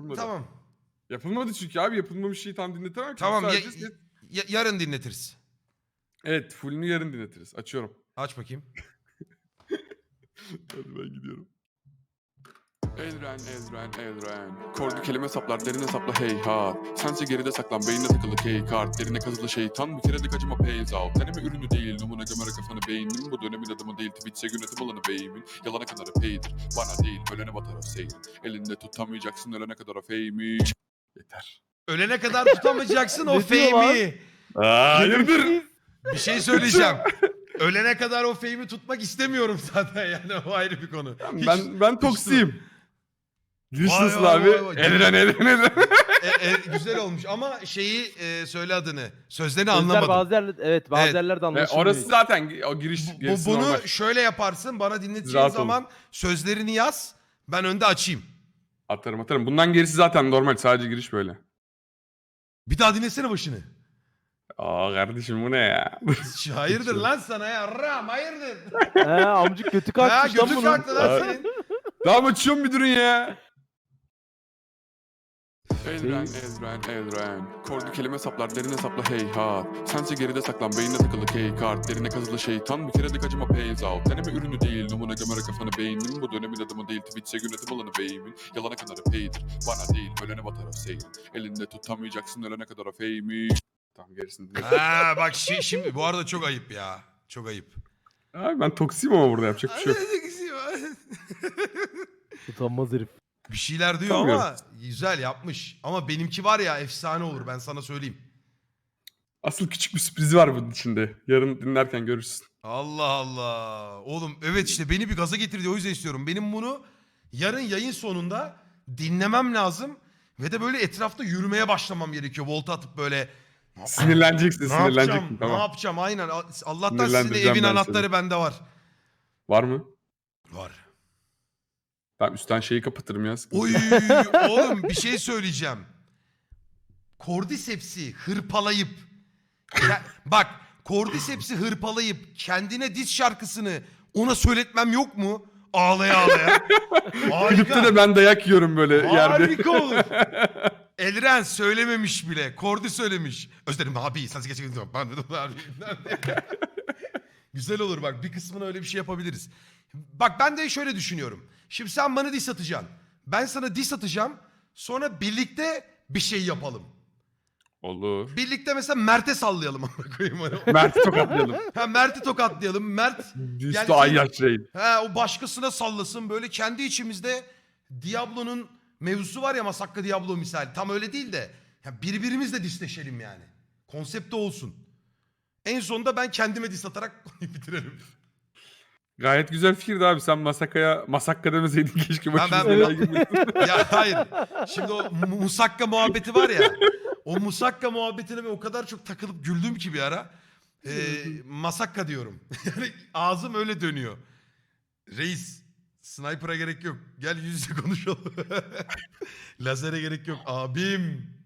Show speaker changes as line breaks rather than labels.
yapılmadı.
Tamam.
Yapılmadı çünkü abi, yapılmamış şeyi tam dinletemem ki.
Tamam
Sadece
yarın dinletiriz.
evet, fullünü yarın dinletiriz. Açıyorum.
Aç bakayım.
Hadi ben gidiyorum. Elren. Kordu kelime saplar, derine sapla heyhat. Sense geride saklan, beynine takılı kart. Derine kazılı şeytan, bir kere de acıma pays out. Deneme ürünü değil, numuna gömerek kafanı beynin. Bu dönemin adımı değil, Twitch'e yönetim alanı beyimin. Yalana kadar paydir, bana değil, ölene batar o seyir. Elinde tutamayacaksın, ölene kadar o fame'i. Yeter.
Ölene kadar tutamayacaksın o
Ne diyor
fame'i.
Hayırdır?
Bir şey söyleyeceğim. Ölene kadar o fame'i tutmak istemiyorum zaten yani, o ayrı bir konu.
Ben toksiyim. Giriş
Vay
nasıl
vay
abi?
vay vay.
Elren.
Güzel olmuş ama şeyi söyle adını. Sözlerini
Sözler
anlamadım.
bazı yerlerde, evet bazı
Evet.
yerlerde
Ve
anlaşılmıyor.
orası zaten o giriş gerisi
Bunu
normal.
şöyle yaparsın, bana dinleteceğin
Rahat olun.
zaman sözlerini yaz, ben önde açayım.
Atarım. Bundan gerisi zaten normal. Sadece giriş böyle.
Bir daha dinlesene başını.
Aa kardeşim bu ne ya?
Hayırdır lan sana ya, Ram hayırdır.
He amcık götü
Ha
kalkmış lan
götü
bunun.
kalktı lan senin.
Tamam açıyorum bir durun ya.
Elren. Kordu kelime saplar, derine sapla heyhat. Sense geride saklan, beynine takılı kart. Derine kazılı şeytan, bir kere de acıma pays out. Deneme ürünü değil, numuna gömerek kafanı beynin. Bu dönemin adımı değil, Twitch'e yönetim alanı beyimin. Yalana kadar paydir, bana değil, ölene batar o seyir. Elinde tutamayacaksın, ölene kadar o fame'i. Tamam gerisini dinle.
Ha bak şimdi bu arada çok ayıp ya. Çok ayıp.
Abi ben toksiyim ama burada yapacak bir şey yok.
Utanmaz herif.
Bir şeyler diyor
Sanmıyorum.
ama güzel yapmış. Ama benimki var ya, efsane olur, ben sana söyleyeyim.
Asıl küçük bir sürprizi var bunun içinde. Yarın dinlerken görürsün.
Allah Allah. Oğlum evet, işte beni bir gaza getirdi, o yüzden istiyorum. Benim bunu yarın yayın sonunda dinlemem lazım. Ve de böyle etrafta yürümeye başlamam gerekiyor. Volta atıp böyle.
Sinirleneceksin,
Ne yapacağım?
sinirleneceksin.
Ne
Tamam.
yapacağım? Aynen. Allah'tan sizin
Sinirlendireceğim
evin
ben
anahtarı
seni.
bende var.
Var mı?
Var.
Tamam üstten şeyi kapatırım ya. sıkıntı
Oy
yok.
oğlum bir şey söyleyeceğim. Cordyceps'i hırpalayıp bak, Cordyceps'i hırpalayıp kendine diz şarkısını ona söyletmem yok mu? Ağlaya ağlaya.
Klipte
Harika.
de ben dayak yiyorum böyle yerde.
Harika olur. Elren söylememiş bile. Cordy söylemiş. Özlerim abi. Sen gerçekten güzel olur bak. Bir kısmına öyle bir şey yapabiliriz. Bak ben de şöyle düşünüyorum. Şimdi sen bana diss atacaksın. Ben sana diss atacağım. Sonra birlikte bir şey yapalım.
Olur.
Birlikte mesela Mert'e sallayalım. amına koyayım.
Mert'i tokatlayalım.
Ha, Mert'i tokatlayalım. Mert
Üstü ay yaşayın.
o başkasına sallasın. Böyle kendi içimizde Diablo'nun mevzusu var ya, Masakka Diablo misal. Tam öyle değil de ya birbirimizle disleşelim yani. Konsept de olsun. En sonunda ben kendime dis atarak konuyu bitirelim.
Gayet güzel fikirdi abi. Sen Masakka demeseydin keşke başımıza
ben-
belaya girmesin.
Ya hayır. Şimdi o Musakka muhabbeti var ya. O Musakka muhabbetine ben o kadar çok takılıp güldüm ki bir ara. Masakka diyorum. Yani ağzım öyle dönüyor. Reis, sniper'a gerek yok. Gel yüz yüze konuşalım. Lazere gerek yok. Abim.